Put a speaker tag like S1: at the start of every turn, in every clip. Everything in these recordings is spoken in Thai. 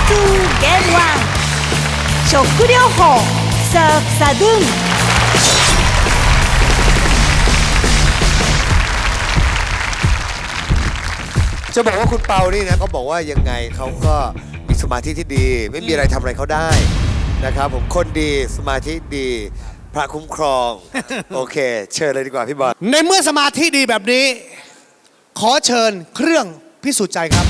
S1: ゲーム1食療法サーフサドゥン
S2: จะบอกว่าคุณเปานี่นะเขาบอกว่ายังไงเขาก็มีสมาธิที่ดี ไม่มีอะไรทำอะไรเขาได้นะครับผมคนดีสมาธิดีพระคุ้มครอง โอเค เชิญเลยดีกว่าพี่บอล
S3: ในเมื่อสมาธิดีแบบนี้ ขอเชิญเครื่องพิสูจน์ใจครับ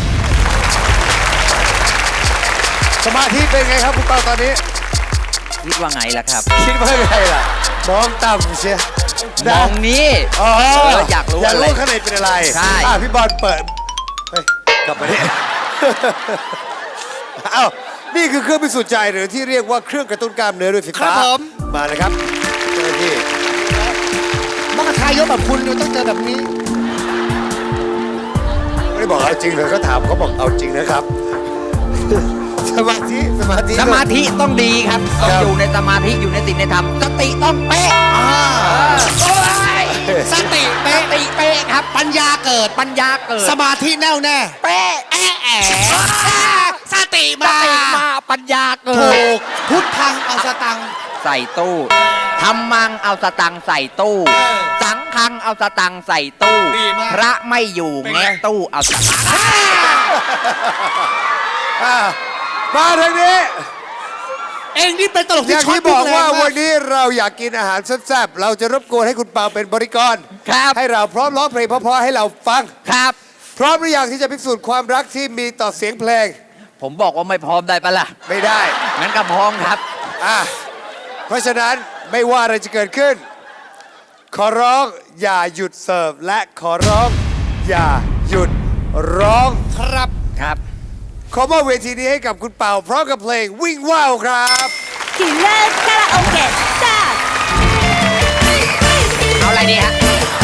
S2: สมาธิเป็นไงครับคุณเปาตอนนี้
S4: คิดว่าไงล่ะครับ
S2: คิดว่าไงล่ะมองต่ำเชีย
S4: มองนี้
S2: อ๋อ
S4: อยากรู้
S2: อยาก
S4: อะไร
S2: รู้ข้างในเป็นอะไร
S4: ใช่
S2: พี่บอลเปิดเฮ้ยกลับมาเนี่ย เอ้านี่คือเครื่องพิสูจน์ใจหรือที่เรียกว่าเครื่องกระตุ้นกล้ามเนื้อด้วยไฟฟ้า
S3: ครับผม
S2: มาเลยครับเจ้าหน้าที่
S3: มักทายกแบบคุณอยู่ต้องเจอแบบนี้
S2: ไม่ได้บอกเอาจริงเลยเขาถามเขาบอกเอาจริงนะครับ สมาธิ
S4: สมาธิต้องดีครับต้องอยู่ในสมาธิอยู่ในศีลในธรรมสติต้องเป๊ะโอ้ย
S3: สติเป๊ะ
S4: สติเป๊ะครับ
S3: ปัญญาเกิด
S4: ปัญญาเกิด
S3: สมาธิแน่วแน่
S4: เป๊ะ
S3: แอะแอะสติ
S4: ส
S3: มา
S4: ติมาปัญญาเกิ
S3: ถู
S4: ด
S3: กพุทธังเอาสตังค์
S4: ใส่ตู้ทำมังเอาสตังค์ใส่ตู้ สังฆังเอาสตังค์ใส่ตู้
S3: ดีมาก
S4: พระไม่อยู่แงะตู้เอาสตังค์
S2: อ่ะมาทางนี้
S3: เองนี่เป็นตลก
S2: อ
S3: ที่
S2: ย่าง
S3: ช็อต
S2: ที่บอกว่า
S3: รุนแรงม
S2: วันนี้เราอยากกินอาหารแซ่บๆเราจะรบกวนให้คุณเปาเป็นบริกร
S4: ครับ
S2: ให้เราพร้อมร้องเพลงเพราะๆให้เราฟัง
S4: ครับ
S2: พร้อมหรือยังที่จะพิสูจน์ความรักที่มีต่อเสียงเพลง
S4: ผมบอกว่าไม่พร้อมได้ปะล่ะ
S2: ไม่ได้
S4: งั้นก็พร้อมครับ
S2: อ่ะเพราะฉะนั้นไม่ว่าอะไรจะเกิดขึ้น ขอร้องอย่าหยุดเสิร์ฟและขอร้องอย่าหยุดร้อง
S3: ครับ
S4: ครับ
S2: ขอมอบเวทีนี้ให้กับคุณเป่าพร้อมกับเพลงวิ่งว่าวครับ
S1: キラーカラオケスタート
S4: เอาอะไรดีฮะ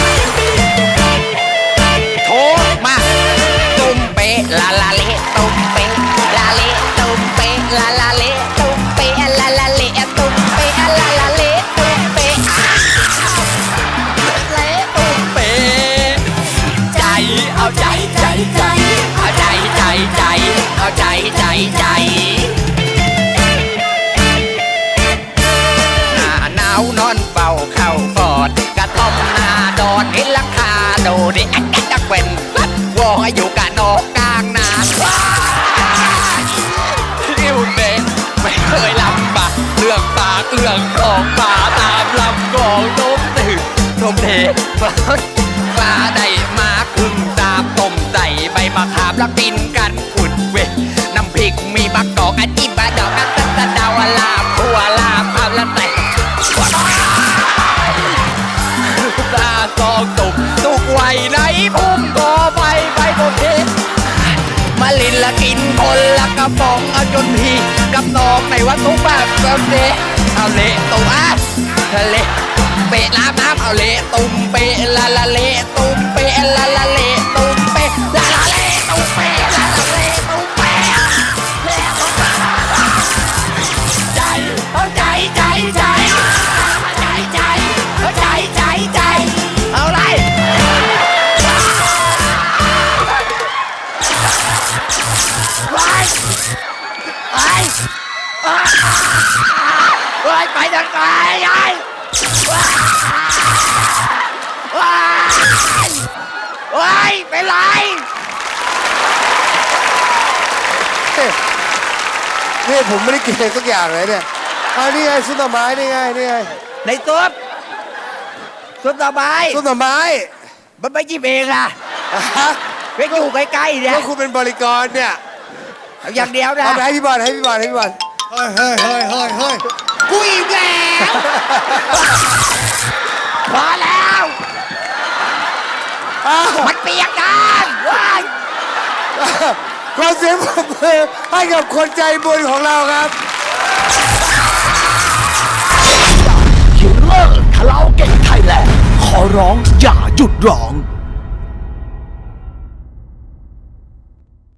S4: โทมาตุ้มเป๊ะลาลาเละตุ้มเป๊ะลาเละตุ้มเป๊ะลาลาเละตุ้มเป๊ะลาลาเละตุ้มเป๊ะลาลาเละตุ้มเป๊ะเละตุ้มเป๊ะใจเอาใจใจใจเอาใจใจใจเอาใจใจใจหน้าหนาวนอนเฝ้าเข้ากอดกระท่อมหน้าดอนเห็นหลังคาโดดิอักจักเวนวออยู่กะนอกกลางนาอิวเดนไม่เคยลำบากเรื่องปากเรื่องของป่าตามลำกองต้มตื่นต้มเทปลาได้มาครึ่งตาต้มใส่ใบมะขามแล้วกินกันขุดเวน้ำพริกมีบักดอกอาจิบะดอกอันตะดาวลาบหัวลาบเอาละแต่ตาซองตุกไว้ในพุ่มกอไฟไปบนเพชรมาลินละกินคนละกระป๋องเอาจนพี่กับน้องในวัดทุกแบบเเละเอาเละตุ่มทะเลเปะน้ำเอาเละตุ่มเปะละละเละตุ่มเปะละละเละตุ่มเปะละละเละตุ่มเปะละละเละตุ่มเปะใจเอาใจใจใจใจใจเอาใจใจใจเอาไรไปทางไหนยายเป็นไร
S2: นี่ผมไม่ได้กินอะไรสักอย่างเลยเนี่ยเอานี่ไงซุปหน่อไม้นี่ไงนี่ไง
S4: ในซุปสบาย
S2: ซุปหน่อไม้
S4: มันไม่จิ้มเองล่ะ
S2: ฮะ
S4: ไปอยู่ใกล้ๆเนี่ย
S2: ก็คุณเป็นบริกรเนี่ย
S4: เอาอย่างเดียวนะ
S2: เอาไปให้พี่บอลให้พี่บอลให้พี่บอล
S3: เฮ้ยเฮ้ยเฮ้ยเฮ้ยเฮ้ยกูอิ่มแล้ว
S4: พอแล้ว
S2: อ้าว
S4: มันเปียกน้ำว้าย
S2: ขอเสียงปรบมือให้กับคนใจบุญของเราครับ
S5: คิลเลอร์คาราโอเกะไทยแลนด์ขอร้องอย่าหยุดร้อง